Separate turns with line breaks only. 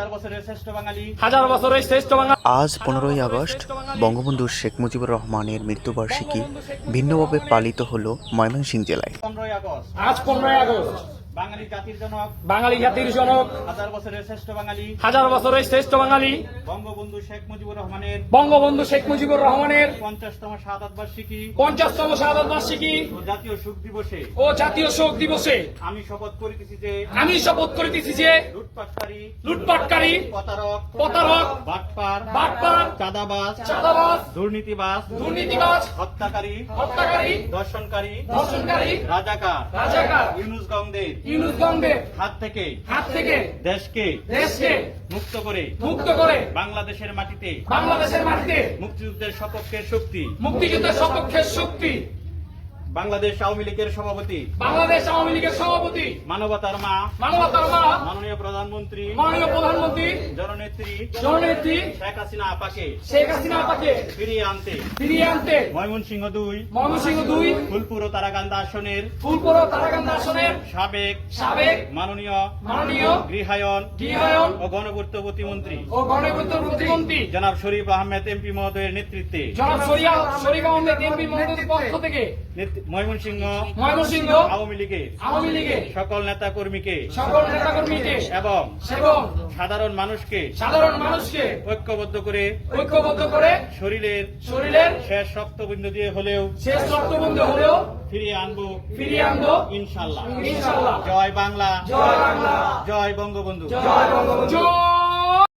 হাজার বছরের শ্রেষ্ঠ বাঙালি।
আজ 15ই আগস্ট বঙ্গবন্ধু শেখ মুজিবুর রহমানের মৃত্যুবার্ষিকী ভিন্নভাবে পালিত হলো ময়মনসিংহ জেলায়।
আজ 15ই আগস্ট বাঙালি জাতির জনক হাজার বছরের শ্রেষ্ঠ বাঙালি
বঙ্গবন্ধু শেখ মুজিবুর রহমানের 50তম শাহাদাত বার্ষিকী
ও
জাতীয় শোক দিবসে
আমি শপথ করিতেছি যে
লুটপাটকারী
প্রতারক
বাটপার চাঁদাবাজ দুর্নীতিবাজ হত্যাকারী দর্শনকারী রাজাকার ইউনুস গংদের হাত থেকে দেশকে মুক্ত করে বাংলাদেশের মাটিতে মুক্তিযুদ্ধের সপক্ষের শক্তি বাংলাদেশ আওয়ামী লীগের সভাপতি মানবতার মা মাননীয় প্রধানমন্ত্রী জননেত্রী শেখ হাসিনা আপাকে ফিরিয়ে আনতে ময়মনসিংহ 2 ফুলপুর ও তারাকান্দা আসনের সাবেক মাননীয় গৃহায়ন ও গণপূর্ত প্রতিমন্ত্রী জনাব শরীফ আহমেদ এমপি মহোদয়ের নেতৃত্বে
পক্ষ থেকে
ময়মনসিংহ আওয়ামী লীগের সকল নেতা কর্মীকে এবং সাধারণ মানুষকে ঐক্যবদ্ধ করে শরীরের শেষ রক্তবিন্দু দিয়ে হলেও ফিরিয়ে আনবো ইনশাআল্লাহ। জয় বাংলা, জয় বঙ্গবন্ধু।